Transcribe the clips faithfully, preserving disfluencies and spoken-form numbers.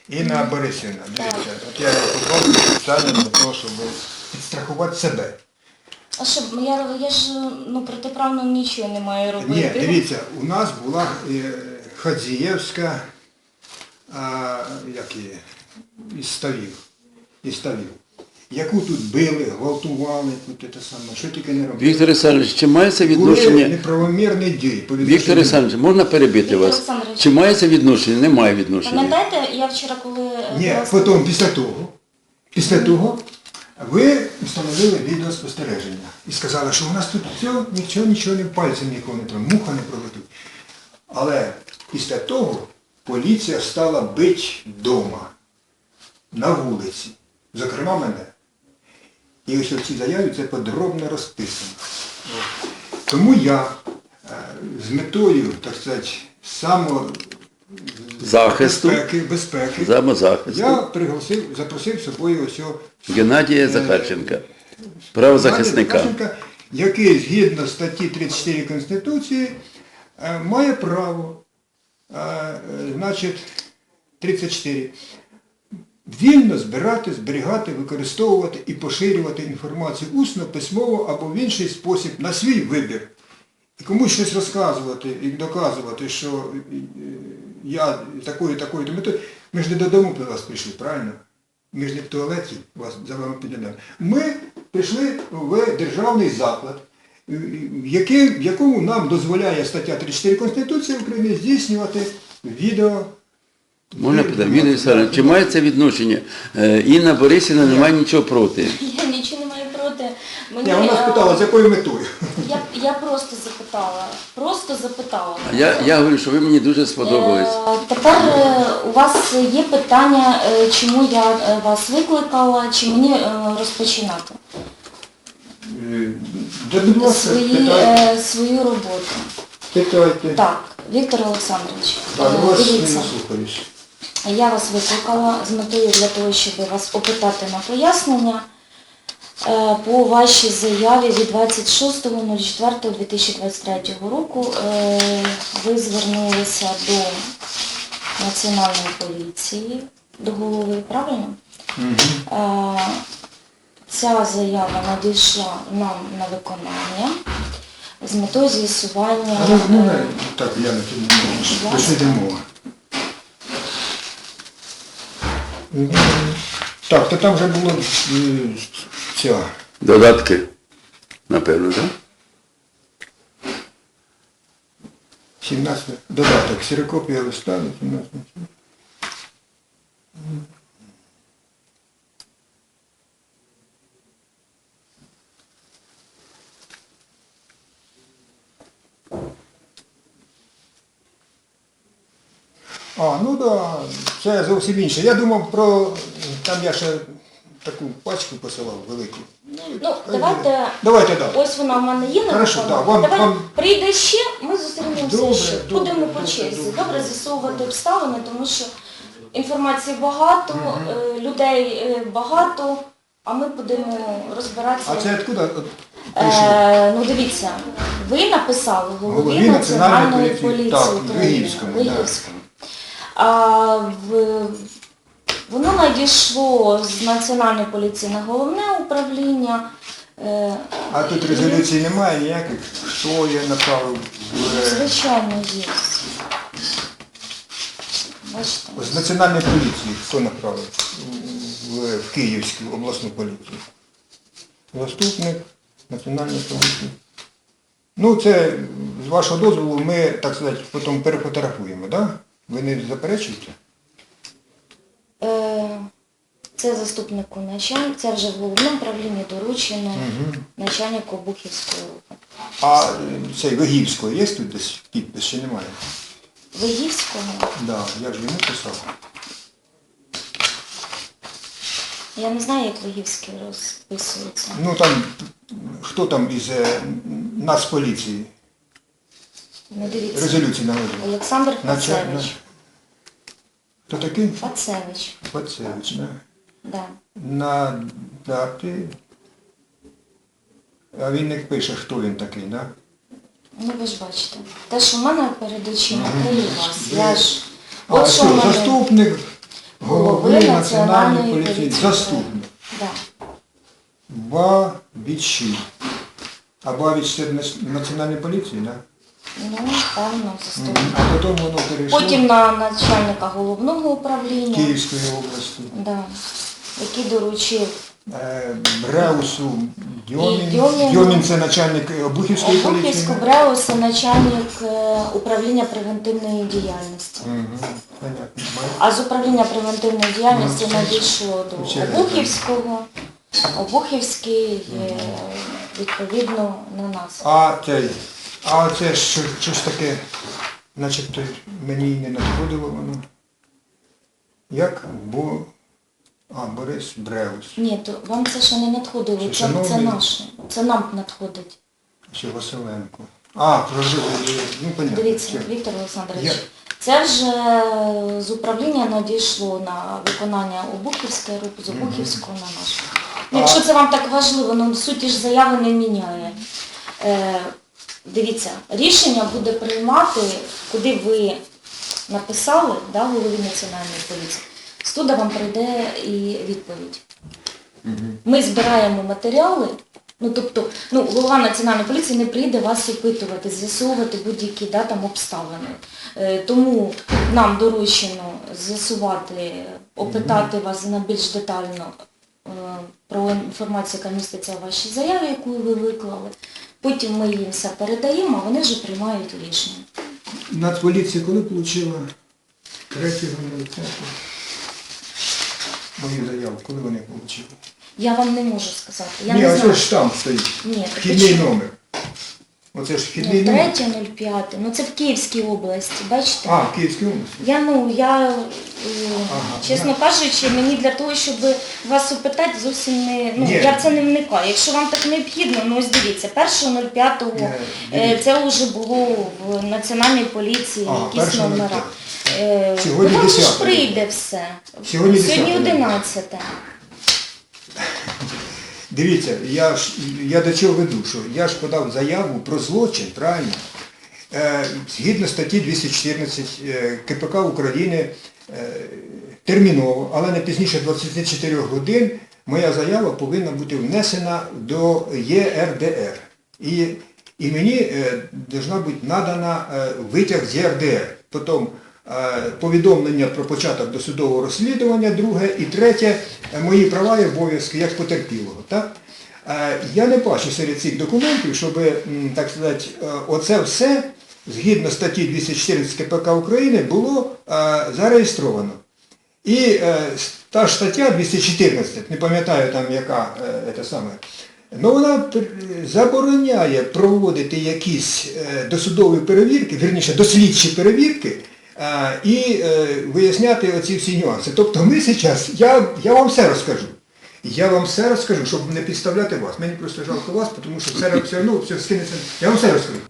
Інна Борисівна, дивіться, от я попробую спеціально для того, щоб підстрахувати себе. А що, я, я ж ну, протиправно нічого не маю робити. Ні, дивіться, у нас була е, Хадзієвська, а, як її, із ставів, із ставів, яку тут били, гвалтували, тут те саме, що тільки не робили. Віктор Олександрович, чи мається Були відношення... неправомірні дії. по Віктор відношенню- Олександрович, можна перебити Віктор вас? Олександрович. Чи мається відношення? Немає відношення. Пам'ятаєте, я вчора, коли... Ні, власне, потім, після того, після того, ви встановили відеоспостереження і сказали, що у нас тут все, нічого, нічого не пальцем нікого не треба, муха не пролетить. Але після того поліція стала бити вдома, на вулиці, зокрема мене. І ось в цій заяві це подробно розписано. Тому я е, з метою, так сказати, само Захисту, безпеки, безпеки, самозахисту. я пригласив, запросив з собою ось цього Геннадія Захарченка, правозахисника. Захарченка, який згідно статті тридцять чотири Конституції е, має право, е, е, значить, тридцять чотири, вільно збирати, зберігати, використовувати і поширювати інформацію усно, письмово або в інший спосіб на свій вибір. І комусь щось розказувати і доказувати, що е, я такою, такою, то метою. Ми ж не додому до вас прийшли, правильно? Ми ж не в туалеті вас за вами підійдемо. Ми прийшли в державний заклад, в який- в якому нам дозволяє стаття тридцять чотири Конституції України здійснювати відео. Можна питати, Віктор Олександрович, чи мається відношення? Е, Інна Борисівна не має нічого проти. Я нічого не маю проти. Мені, Я вона е, спитала, з якою метою? Я, я просто запитала. Просто запитала. Я, я говорю, що ви мені дуже сподобались. Е, Тепер е, у вас є питання, е, чому я е, вас викликала, чи мені е, розпочинати Да, будь ласка, свої, питайте. е, свою роботу. Питайте. Так, Віктор Олександрович, Так, е, вас не дивіться, наслухаюсь. я вас викликала з метою для того, щоб вас опитати на пояснення е, по вашій заяві від двадцять шостого четвертого дві тисячі двадцять третього року. Е, Ви звернулися до Національної поліції, до голови, правильно? Е, Ця заява надійшла нам на виконання з метою з'ясування. А ну, ну, е, так, я на тим не можу. Будь Про що йде мова? Так, то там вже було е, ця. Додатки, напевно, так? сімнадцятий додаток, ксерокопія листа, сімнадцятий. А, ну так, да, це зовсім інше. Я думав про, там я ще таку пачку посилав велику. Ну, давайте, Давайте, так. ось вона в мене є на Хорошо, виконанні. да, вам- Давай вам- прийде ще, ми зустрінемося Добре, ще. добре, Будемо по добре, черзі. добре, Добре, добре. з'ясовувати обставини, тому що інформації багато, е, людей е, багато, а ми будемо розбиратися. А це откуда от прийшло? Е, ну дивіться, ви написали голові Голові Національної Національної поліції. поліції Так, України. Вигівському, да. Вигівському. А, в, воно надійшло з Національної поліції на головне управління. Е, А тут резолюції немає ніяких, хто я направив в, Звичайно, є. Бачите? з Національної поліції, хто направив в, в Київську обласну поліцію. Заступник Національної поліції. Ну, це, з вашого дозволу, ми, так сказати, потім перефотографуємо, так? Да? Ви не заперечуєте? Е, Це заступнику начальника, це вже в головному управлінні доручено начальнику Бухівської ОП. А е, цей Вигівського є тут десь підпис, чи немає? Вигівського? Да, я ж йому писав. Я не знаю, як Вигівський розписується. Ну там, хто там із е, Нацполіції Ну, дивіться. резолюції наводив? Олександр На- Пацевич. на- Хто такий? Пацевич, Пацевич, да. да. На дати. А він не пише, хто він такий, да? Ну ви ж бачите. Те, що в мене перед очима, те і у вас. Я ж... А От що що, в мене... заступник голови Національної поліції. Заступник. Да. Бабічі. А Бабіч це нац- Національної поліції, так? Ну, певно, заступник. А потім воно перейшло Потім на начальника головного управління, Київської області. да, який доручив Е, Бреусу Дьомін. І Дьомін. Дьомін це начальник Обухівської поліції. Обухівську Бреуса, начальник е, управління превентивної діяльності. Угу. Понятно. А з управління превентивної діяльності Ну, надійшло до ще раз. Обухівського, Обухівський е, відповідно на нас. А цей, а це що, щось таке, начебто мені й не надходило воно. Як? Бо... А, Борис Бреус. Ні, то вам це ще не надходило, Це це, це шановний- наше, це нам надходить. Чи Василенко. А, прожив, ну понятно. Дивіться, Все. Віктор Олександрович, Я- це вже з управління надійшло на виконання Обухівської групи, з Обухівського на нашу. Ну, А- якщо це вам так важливо, ну суті ж заяви не міняє. Е, дивіться, рішення буде приймати, куди ви написали, да, голові Національної поліції. З туди вам прийде і відповідь. Ми збираємо матеріали, ну тобто, ну, голова Національної поліції не прийде вас опитувати, з'ясовувати будь-які да, там, обставини. Е, тому нам доручено з'ясувати, опитати вас на більш детально е, про інформацію, яка міститься у вашій заяві, яку ви виклали. Потім ми їм все передаємо, а вони вже приймають рішення. Нацполіція коли отримала третього мою заяву, коли вони отримали? Я вам не можу сказати. Я Ні, не оце знаю. ж там стоїть. Ні, так Вхідний почему? номер. Оце ж вхідний номер. третє нуль п'яте, ну це в Київській області, бачите? А, в Київській області. Я, ну, я, е, Ага, чесно кажучи, мені для того, щоб вас опитати, зовсім не, ну, Ні. я в це не вникаю. Якщо вам так необхідно, ну ось дивіться, першого нуль п'ятого Ні, е, дивіться. це вже було в Національній поліції, Ага, якісь першого нуль номера. п'ятого. Е, Сьогодні ну, вам же ж десяте. прийде все. Сьогодні Сьогодні десяте. одинадцяте. Дивіться, я, ж, я до чого веду, що я ж подав заяву про злочин, правильно? Е, згідно статті двісті чотирнадцять е, КПК України е, терміново, але не пізніше двадцяти чотирьох годин, моя заява повинна бути внесена до Є Ер Де Ер. І, і мені е, должна бути надана е, витяг з Є Ер Де Ер. Потім е, повідомлення про початок досудового розслідування, друге, і третє, е, мої права і обов'язки як потерпілого. Так? Е, Я не бачу серед цих документів, щоб, м, так сказати, е, оце все, згідно статті двісті чотирнадцять КПК України, було е, зареєстровано. І е, та ж стаття двісті чотирнадцять, не пам'ятаю там яка, е, це саме, ну вона пер- забороняє проводити якісь е, досудові перевірки, вірніше дослідчі перевірки, е, і е, виясняти оці всі нюанси. Тобто ми зараз, я, я вам все розкажу. Я вам все розкажу, щоб не підставляти вас. Мені просто жалко вас, тому що все, все одно все скинеться. Я вам все розкажу.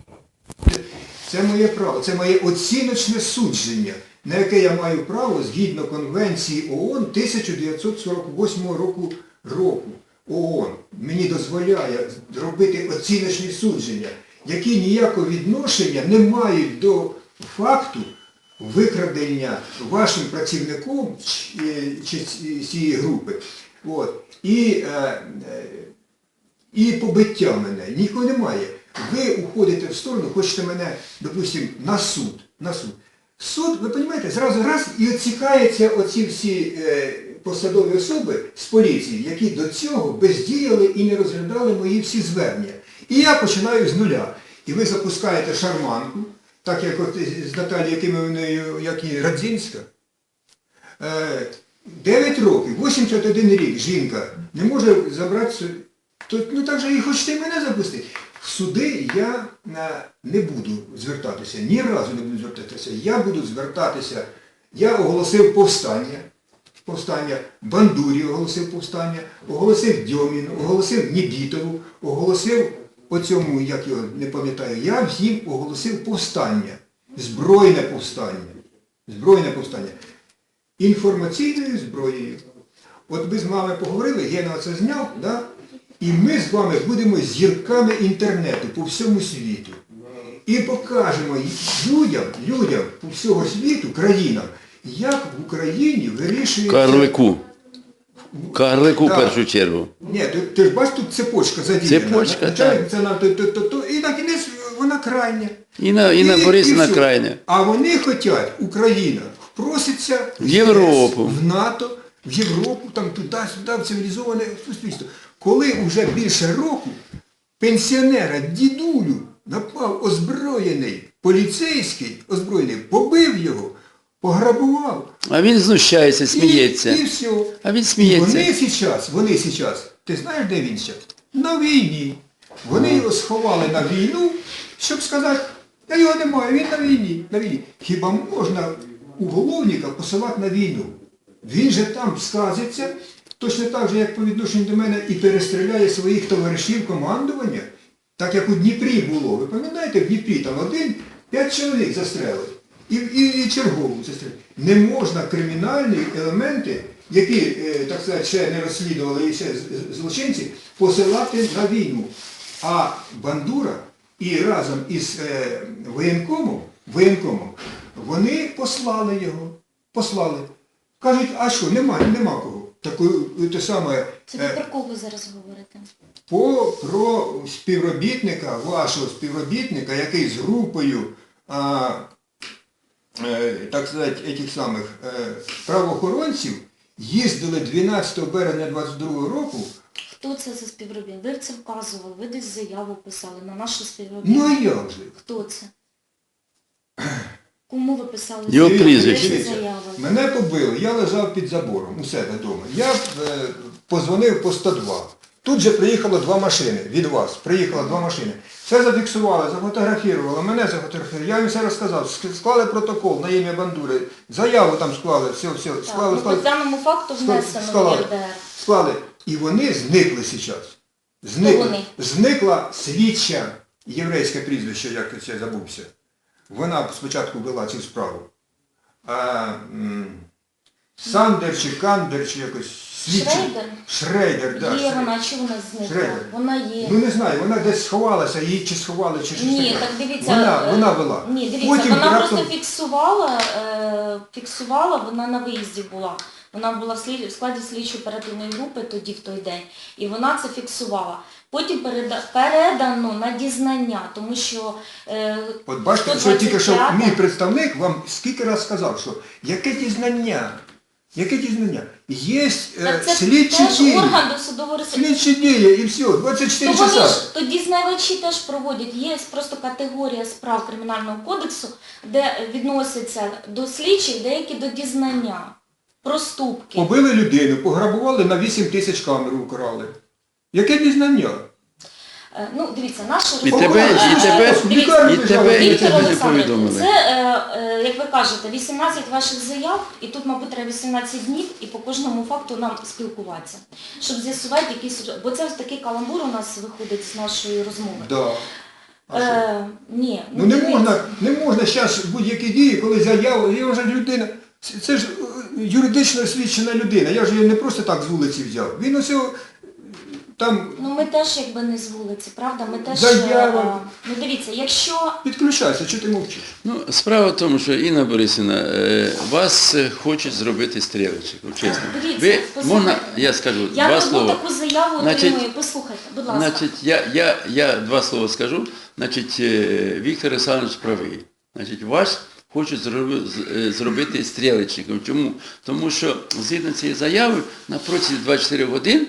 Це моє право, це моє оціночне судження, на яке я маю право згідно Конвенції ООН тисяча дев'ятсот сорок восьмого року, року. ООН мені дозволяє робити оціночні судження, які ніякого відношення не мають до факту викрадення вашим працівником чи, чи цієї групи. От. І, е, е, і побиття мене. Нікого немає. Ви уходите в сторону, хочете мене, допустимо, на суд. На суд. Суд, ви розумієте, зразу раз і відсікаються оці всі е, посадові особи з поліції, які до цього бездіяли і не розглядали мої всі звернення. І я починаю з нуля. І ви запускаєте шарманку, так як от з Наталією Якимівною, як і Радзінська. Е, дев'ять років, вісімдесят один рік жінка не може забратися, то, ну так же і хочете і мене запустити. В суди я е, не буду звертатися, ні разу не буду звертатися. Я буду звертатися, я оголосив повстання, повстання, Бандурі оголосив повстання, оголосив Дьоміну, оголосив Нібітову, оголосив оцьому, як його не пам'ятаю, я всім оголосив повстання, збройне повстання, збройне повстання. Інформаційною зброєю. От ми з вами поговорили, Гена це зняв, да? І ми з вами будемо зірками інтернету по всьому світу. І покажемо людям, людям по всього світу, країнам, як в Україні вирішується... Карлику. Карлику в Так. першу чергу. Ні, ти, ти ж бачиш, тут цепочка задіяна. Цепочка, Начальник, це нам то, то, то, то, і на кінець вона крайня. Інна, Інна І- Борисівна і все. крайня. А вони хочуть, Україна, проситься В Європу. в НАТО, в Європу, там туди-сюди, в цивілізоване суспільство. Коли вже більше року пенсіонера, дідулю, напав озброєний поліцейський, озброєний, побив його, пограбував. А він знущається, сміється. І, і все. А він І сміється. вони зараз, вони зараз, ти знаєш, де він зараз? На війні. Вони його сховали на війну, щоб сказати, та його немає, він на війні. На війні. Хіба можна уголовника посилати на війну? Він же там сказиться, точно так же, як по відношенню до мене, і перестріляє своїх товаришів командування, так як у Дніпрі було. Ви пам'ятаєте, в Дніпрі там один, п'ять чоловік застрелили. І, і, і чергову застрелили. Не можна кримінальні елементи, які, е, так сказати, ще не розслідували і ще з- злочинці, посилати на війну. А Бандура і разом із е, воєнкомом, воєнкомом, вони послали його. Послали. Кажуть, а що, нема, нема кого. Таку, те саме, Це ви е, про кого зараз говорите? по, про співробітника, вашого співробітника, який з групою, а, е, так сказати, этих самих е, правоохоронців їздили дванадцятого березня двадцять другого року. Хто це за співробітник? Ви це вказували, ви десь заяву писали на нашу Ну співробітницю. а як же? Хто це? Кому ви писали Його заяву? прізвище. Де Дивіться, заява? мене побили, я лежав під забором у себе вдома. Я е, позвонив по сто два. Тут же приїхало два машини від вас. Приїхало два машини. Все зафіксували, зафотографували, мене зафотографували. Я їм все розказав. Ск- Склали протокол на ім'я Бандури. Заяву там склали, все, все. Так, Склали, ну, склали. по даному факту внесено в Склали. ЄРДР. Склали. І вони зникли зараз. Зникли. вони? Зникла слідча, єврейське прізвище, як я забувся. Вона спочатку вела цю справу. А, м, Сандер чи Кандер, чи якось слідчий. Шрейдер? Шрейдер, так. Є вона, чи вона зникла? Шрейдер. Вона є. Ну не знаю, вона десь сховалася, її чи сховали, чи щось Ні, таке. так дивіться. Вона, е, вона вела. Ні, дивіться, Потім вона раптом- просто фіксувала, е, фіксувала, вона на виїзді була. Вона була в, слід, в складі слідчої оперативної групи тоді, в той день, і вона це фіксувала. Потім переда, передано на дізнання, тому що... Е, От бачите, що тільки що мій представник вам скільки раз сказав, що яке дізнання, яке дізнання? Є е, так це слідчі теж дії, орган досудового розслідування. слідчі дії і все, двадцять чотири То вони часа. ж, то дізнавачі теж проводять. Є просто категорія справ Кримінального кодексу, де відносяться до слідчих, деякі до дізнання. Проступки. Побили людину, пограбували, на вісім тисяч камеру украли. Яке дізнання? Е, Ну, дивіться, наша І розмова- тебе, і тебе, Дивіться, і тебе, і Віктор тебе не Олександрович, повідомили. це, е, е, як ви кажете, вісімнадцять ваших заяв, і тут, мабуть, треба вісімнадцять днів, і по кожному факту нам спілкуватися, щоб з'ясувати якісь... Бо це ось такий каламбур у нас виходить з нашої розмови. Да. А що? Е, ні, Ну не дивіться. можна, не можна зараз будь-які дії, коли заява, я вже людина, це- це ж е, юридично освічена людина, я ж її не просто так з вулиці взяв. Він усе там Ну ми теж якби не з вулиці, правда? Ми теж... Заява. е, Ну дивіться, якщо... підключайся, чого ти мовчиш? Ну, справа в тому, що Інна Борисівна, е, вас е, хочуть зробити стрілочником, чесно. Дивіться, Ви, послухайте. можна, я скажу Я два одну слова. таку заяву Значить, отримую, послухайте, будь ласка. Значить, я, я, я два слова скажу. Значить, е, Віктор Олександрович правий. Значить, вас хочуть зроби- з- е, зробити стрілечником. Чому? Тому що згідно цієї заяви на протязі двадцять чотири годин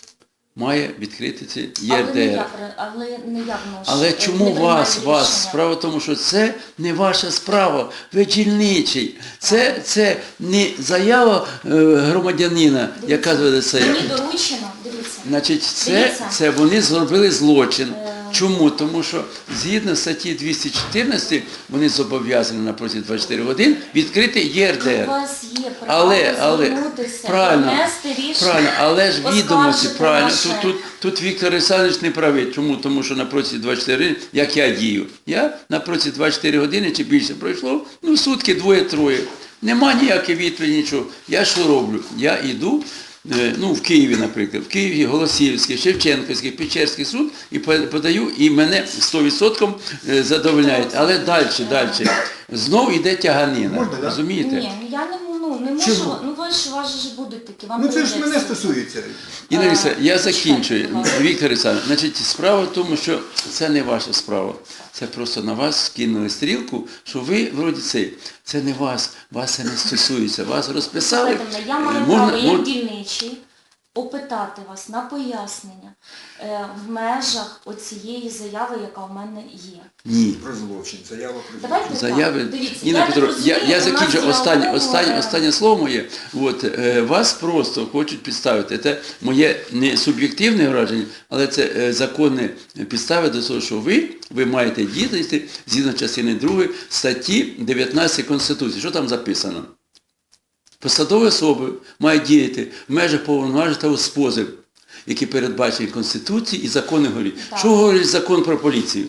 має відкрити це Але не ЄРДР. я, але не я вношу. Але е, чому не приймаю вас, вас? рішення. Справа в тому, що це не ваша справа, ви дільничий. Це, це не заява е, громадянина, яка Дивіться, це. Мені доручено, дивіться. Значить, це, Дивіться. це вони зробили злочин. Е. Чому? Тому що згідно статті двісті чотирнадцять вони зобов'язані на протязі двадцять чотири годин відкрити У ЄРДР. вас є право Але, але, звернутися, правильно, донести рішення, правильно, але ж відомості, оскаржити правильно, ваше. тут, тут, тут Віктор Олександрович не правий. Чому? Тому що на протязі двадцять чотири години, як я дію, я на протязі двадцять чотири години чи більше пройшло, ну сутки, двоє-троє. Нема ніякої відповіді, нічого. Я що роблю? Я йду е, ну, в Києві, наприклад, в Києві Голосіївський, Шевченківський, Печерський суд і подаю, і мене сто відсотків задовольняють. Але далі, далі. Знову йде тяганина. Можна, да? Ні, Розумієте? ну я не, ну, не можу, Чому? ну ви ж, у вас же ж будуть такі, вам Ну це ж прийдеться. мене стосується. Інна Олексійовна, я Е, закінчую. чекайте, будь ласка. Віктор Олександрович, значить, справа в тому, що це не ваша справа. Це просто на вас скинули стрілку, що ви, вроді цей, це не вас, вас це не стосується. Вас розписали. Слухайте мене, я маю Можна- право, як мож- дільничий, опитати вас на пояснення е, в межах оцієї заяви, яка в мене є. Ні. Про злочин, заява про злочин. Давайте Заяви. так, дивіться, Інна я так Петровна, я, розумію, я у нас закінчу є останнє, умови, останнє, е, останнє слово моє. От, е, вас просто хочуть підставити. Це моє не суб'єктивне враження, але це е, законні підстави до того, що ви, ви маєте діяти згідно частини другої статті дев'ятнадцять Конституції. Що там записано? Посадові особи мають діяти в межах повноважень та спосіб, які передбачені Конституцією і закони говорять. Так. Що говорить закон про поліцію?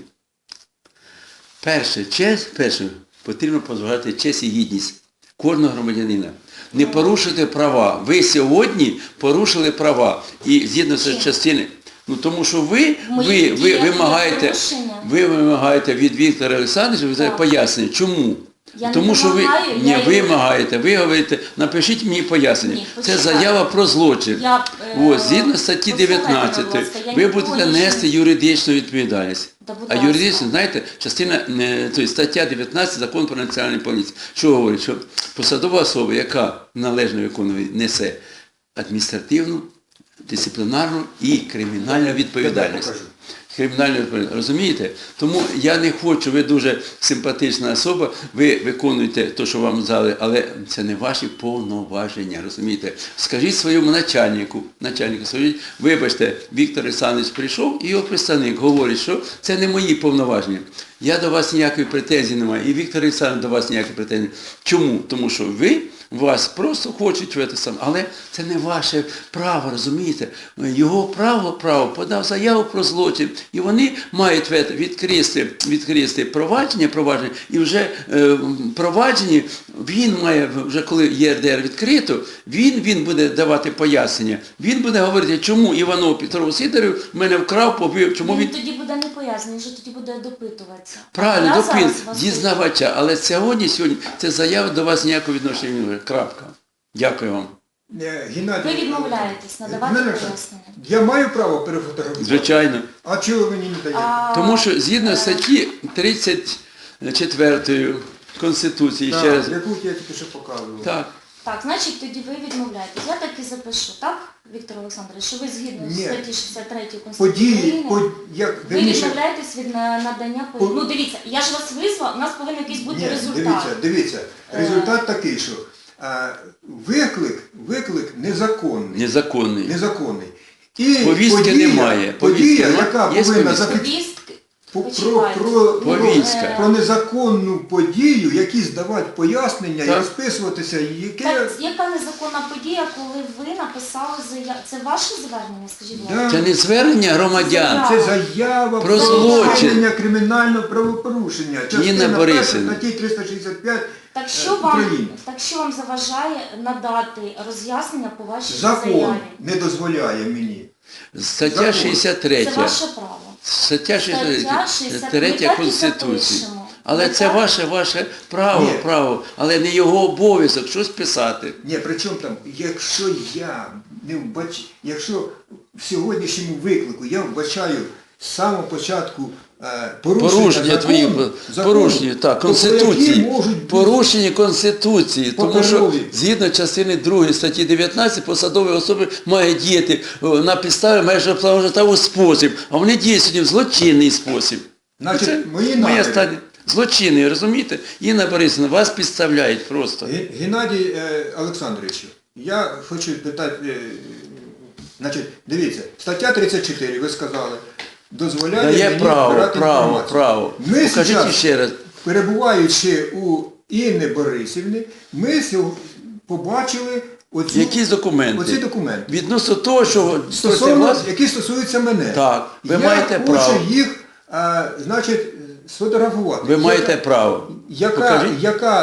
Перше, честь, перше, потрібно позбавляти честь і гідність кожного громадянина. Не порушити права. Ви сьогодні порушили права. І згідно з Чим? частини, ну тому що ви, В моїх ви, ви діях є вимагаєте, порушення. ви вимагаєте від Віктора Олександровича Так. пояснення. Чому? Я не Тому що ви вимагаю, не я ви його- вимагаєте, ви говорите, напишіть мені пояснення. Ні, Це почекайте. заява про злочин. Я, е, Ось, згідно статті послухайте, дев'ятнадцять, будь ласка, я ви нікого будете нічого- нести юридичну відповідальність. Та, будь А ласка. юридично, знаєте, частина, е, тобто стаття дев'ятнадцять Закон про національну поліцію. Що говорить? Що посадова особа, яка належно виконує, несе адміністративну, дисциплінарну і кримінальну відповідальність. покажу. Кримінальну відповідальність. Розумієте? Тому я не хочу, ви дуже симпатична особа, ви виконуєте те, що вам дали, але це не ваші повноваження, розумієте? Скажіть своєму начальнику, начальнику, скажіть, вибачте, Віктор Олександрович прийшов і його представник говорить, що це не мої повноваження. Я до вас ніякої претензії не маю, і Віктор Олександрович до вас ніякої претензії. Чому? Тому що ви, вас просто хочуть в це саме, але це не ваше право, розумієте? Його право, право подав заяву про злочин, і вони мають в це відкрити, відкрити провадження, провадження, і вже е, проваджені, він має, вже коли ЄРДР відкрито, він, він буде давати пояснення, він буде говорити, чому Іванов Петро Сидоров мене вкрав, побив, чому Він він... тоді буде не пояснений, він вже тоді буде допитуватися. Правильно, Я допит, зараз вас дізнавача, але сьогодні, сьогодні, це заява до вас ніякого відношення не має. Крапка. Дякую вам. Е, Геннадій, Ви відмовляєтесь надавати Мене- пояснення. Я маю право перефотографувати? Звичайно. А чого ви мені не даєте? А, Тому що згідно е, статті тридцять четвертої Конституції, ще раз. Так, яку я тільки що показував. Так. Так, значить, тоді ви відмовляєтесь. Я так і запишу, так, Віктор Олександрович, що ви згідно з Ні. статті шістдесят третьої Конституції Події, України, по, як, ви вірніше, відмовляєтесь від на- надання По- пояснень. Ну, дивіться, я ж вас визвав, у нас повинен якийсь бути Ні, результат. дивіться, дивіться, Е. результат такий, що а, виклик, виклик незаконний. Незаконний. Незаконний. І Повістки подія, немає. Подія, Повістки нема. яка Є повинна повістка? зафіксувати Повістки, про, про, почекайте. про, Повістка. про незаконну подію, які здавати пояснення і Так. розписуватися, яке... Так, яка незаконна подія, коли ви написали заяву? Це ваше звернення, скажіть, будь ласка? Да. Це не звернення громадян. Це заява Про про злочин. вчинення кримінального правопорушення. Частина перша Борисівна. статті триста шістдесят п'ять Так е, що вам, України. так що вам заважає надати роз'яснення по вашій Закон заяві? не дозволяє мені. Стаття Закон. шістдесят Це третя. ваше право. Стаття Стаття шістдесят третя ми так і Конституції. запишемо. Але Ми це так- ваше, ваше право, Ні. право, але не його обов'язок щось писати. Ні, причому там, якщо я не вбач... якщо в сьогоднішньому виклику я вбачаю з самого початку е, порушення, Порушення закону, твої, закону, порушення, так, то про які Конституції, можуть бути порушення Конституції, тому що паперові. згідно частини другої статті дев'ятнадцять посадові особи мають діяти о, на підставі майже планетарного спосіб, а вони діють сьогодні в злочинний спосіб. Значить, Це мої моя наміри. стадія. Злочинний, розумієте? Інна Борисівна, вас підставляють просто. Ге- Геннадій е, Олександровичу, я хочу питати, е, значить, дивіться, стаття тридцять чотири, ви сказали, дозволяє Дає мені право, збирати право, інформацію. право. Ми Покажіть зараз, ще раз. перебуваючи у Інни Борисівни, ми сьо- побачили оці, Якісь документи? оці документи. Відносно того, що проти Стосовно, вас, які стосуються мене. Так, ви я маєте хочу право. їх, а, значить, сфотографувати. ви Яка- маєте право. Яка, Покажіть. яка е,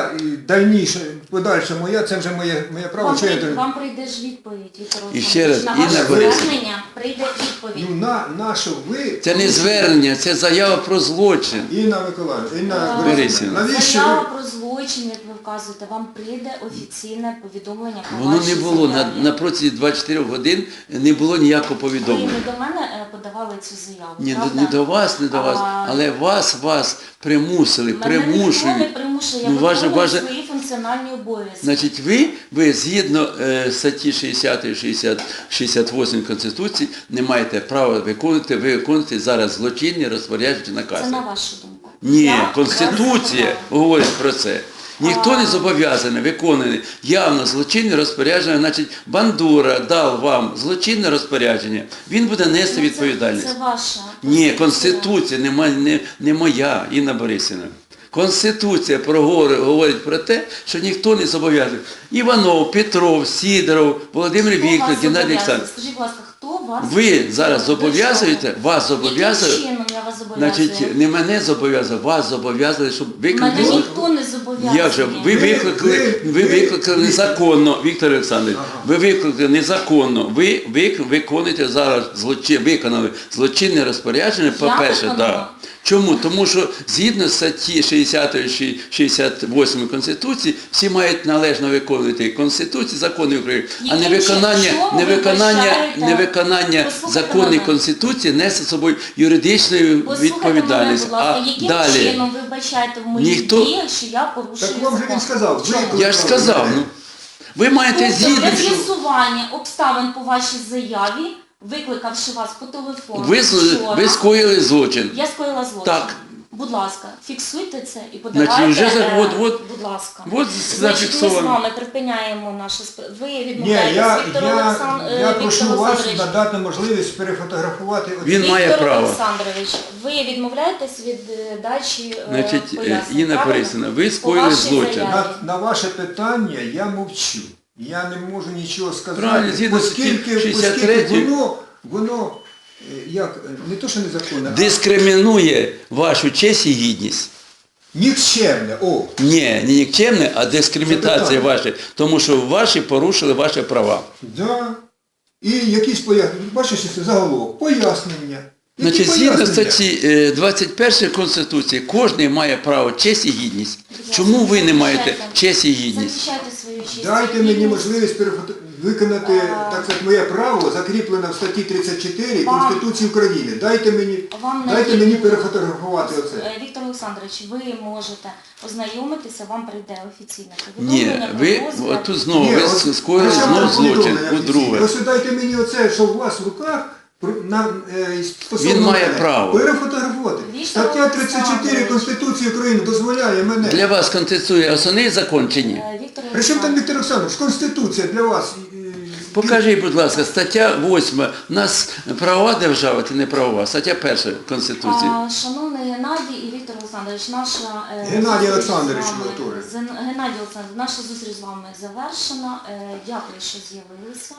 дальніше, подальше моя, це вже моє, моє право. Вам, Що я прийде, должен- вам прийде ж відповідь, Віктор І Олександрович. ще раз, на Інна ваше Борисівна. звернення прийде відповідь. Ну, на, на що ви... Це не звернення, це заява про злочин. Інна Миколаївна, Інна Е, Борисівна, навіщо Заява ви... про злочин, як ви вказуєте, вам прийде офіційне повідомлення про Воно ваші не було, на, заяві. на протязі двадцять чотирьох годин не було ніякого Ви повідомлення. не до мене е, подавали цю заяву, Ні, правда? не до вас, не до вас, А, але вас, вас примусили, Мене ніхто не примушують. примушує, я Ну, ваше- виконую ваше- свої функціональні обов'язки. Значить, ви, ви згідно е, статті шістдесят, шістдесят, шістдесят вісім Конституції не маєте права виконувати, ви виконуєте зараз злочинні розпорядження накази. Це на вашу думку. Ні, Я вас Конституція запитала. говорить про це. Ніхто не А. зобов'язаний виконувати явно злочинне розпорядження, значить Бандура дав вам злочинне розпорядження, він буде нести Ну, відповідальність. Це, це ваша. Ні, позиція. Конституція не, ма- не, не моя, Інна Борисівна. Конституція проговор- говорить про те, що ніхто не зобов'язаний. Іванов, Петров, Сідоров, Володимир Хто вас Вікторович, Геннадій зобов'язує? Олександрович. Скажіть, будь ласка, хто вас Ви зараз До зобов'язуєте, чого? вас зобов'язує, Яким чином я вас зобов'язую? значить, не мене зобов'язує, вас зобов'язали, щоб Мене виконати злочин. ніхто не зобов'язує. Як же? Ви Ви- викликали, ви- ви ви- викликали незаконно, Віктор Олександрович, ви викликали незаконно, ви, ви виконуєте зараз злочин, виконали злочинне розпорядження, по-перше, виконала? да. Чому? Тому що згідно статті шістдесят, шістдесят восьмої Конституції всі мають належно виконувати Конституцію, закони України, а Яким невиконання, чином ви невиконання, вбачаєте? невиконання Послухайте законів мене. Конституції несе з собою юридичну Послухайте відповідальність. мене, будь ласка, А яким далі, чином ви бачаєте в моїх Ніхто- діях, що я порушую Так вам же закон? він сказав, Чому? ви- я ж сказав, ну, ви маєте Тобто згідно. для з'ясування обставин по вашій заяві, викликавши вас по телефону Ви, з- вчора, ви скоїли злочин. я скоїла злочин. Так. Будь ласка, фіксуйте це і подавайте, Значить, вже за- е, от- от- будь ласка. от Значить, ми з зафіксовано. вами припиняємо наше спр- Ви Ні, відмовляєтесь, я, Віктор я, Олександ... е, я Віктор прошу вас Олександрович. надати можливість перефотографувати. оці- Він має Віктор право. Олександрович, ви відмовляєтесь від е, дачі е, Значить, е, пояснень, Інна правильно? Борисівна, ви По скоїли вашій злочин. заяві. На, на ваше питання я мовчу. Я не можу нічого сказати, Правильно, згідно статті оскільки, шістдесят оскільки третьої. воно, воно е, як, е, не то, що незаконне, а Дискримінує вашу честь і гідність. нікчемне. О, Ні, не нікчемне, а дискримінація Це питання. ваша. Тому що ваші порушили ваші права. да. І якісь пояснення, бачиш, це заголовок, пояснення. Які Значить, згідно пояснення? статті е, двадцять першої Конституції, кожен має право честь і гідність. Чому ви не маєте честь і гідність? Захищайте свою честь. Дайте і мені гідність. можливість перефото- виконати, А. так сказати, моє право, закріплене в статті тридцять чотири Вам- Конституції України. Дайте мені, Вам дайте не- мені перефотографувати оце. Е, Віктор Олександрович, ви можете ознайомитися, вам прийде офіційне Ні, повідомлення про ви розгляд. тут знову Ні, ви ось- скоїли ось я знову вам злочин. повідомлення По-друге. офіційне. Ось дайте мені оце, що у вас в руках, про- на, е, стосовно Він має мене. право. Перефотографувати. Віктор Стаття тридцять чотири Олександрович. Конституції України дозволяє мене. Для вас Конституція основний закон чи ні? Е, Віктор При чому там Олександрович, Віктор Олександрович? Конституція для вас. е, Покажіть, будь ласка, стаття восьма. У нас правова держава чи не правова? Стаття перша Конституції. а, шановний Геннадій і Віктор Олександрович, наша е, Геннадій зустріч з Олександрович, вами- Латури. з- Геннадій Олександрович, наша зустріч з вами завершена. Е, Дякую, що з'явилися.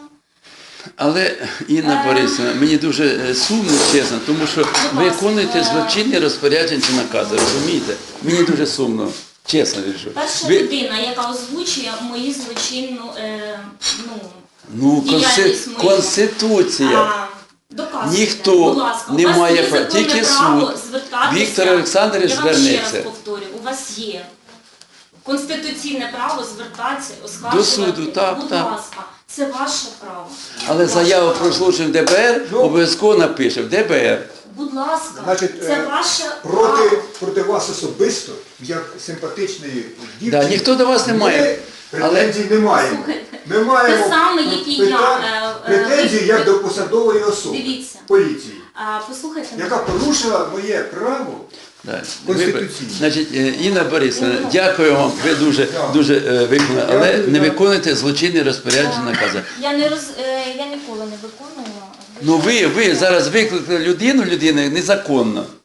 Але, Інна Е. Борисівна, мені дуже е, сумно, чесно, тому що ласка, виконуєте е. злочинні розпорядження чи накази, розумієте? Мені дуже сумно, чесно кажу. Перша Ви- людина, яка озвучує мої злочинну, е, ну, Ну, конси- діяльність мою. Конституція. А, доказуйте, Ніхто будь ласка. не У вас має є права, законне тільки право суд. звертатися. Віктор Олександрович Я вам ще звернеться. раз повторю, у вас є конституційне право звертатися, оскаржувати. суду, так, будь так. ласка, це ваше право. Але Ваше заяву право. про злочин в Д Б Р Ну. обов'язково напише в Д Б Р. Будь ласка, Значить, це е, ваше проти, право. проти вас особисто, як симпатичної дівчини, Да, ніхто до вас не має. ми претензій не маємо. Слухайте, Ми маємо те саме, які я, питань- е, е, претензії ви- як до посадової особи Дивіться. поліції, А, послухайте, яка порушила моє право. Да. Конституційно. Значить, е, Інна Борисівна, дякую вам, ви дуже, дуже е, виконали, але Дякую, не да. виконуєте злочинні розпорядження накази. Я не роз е, я ніколи не виконую. Ну ви, ви зараз викликали людину, людину незаконно.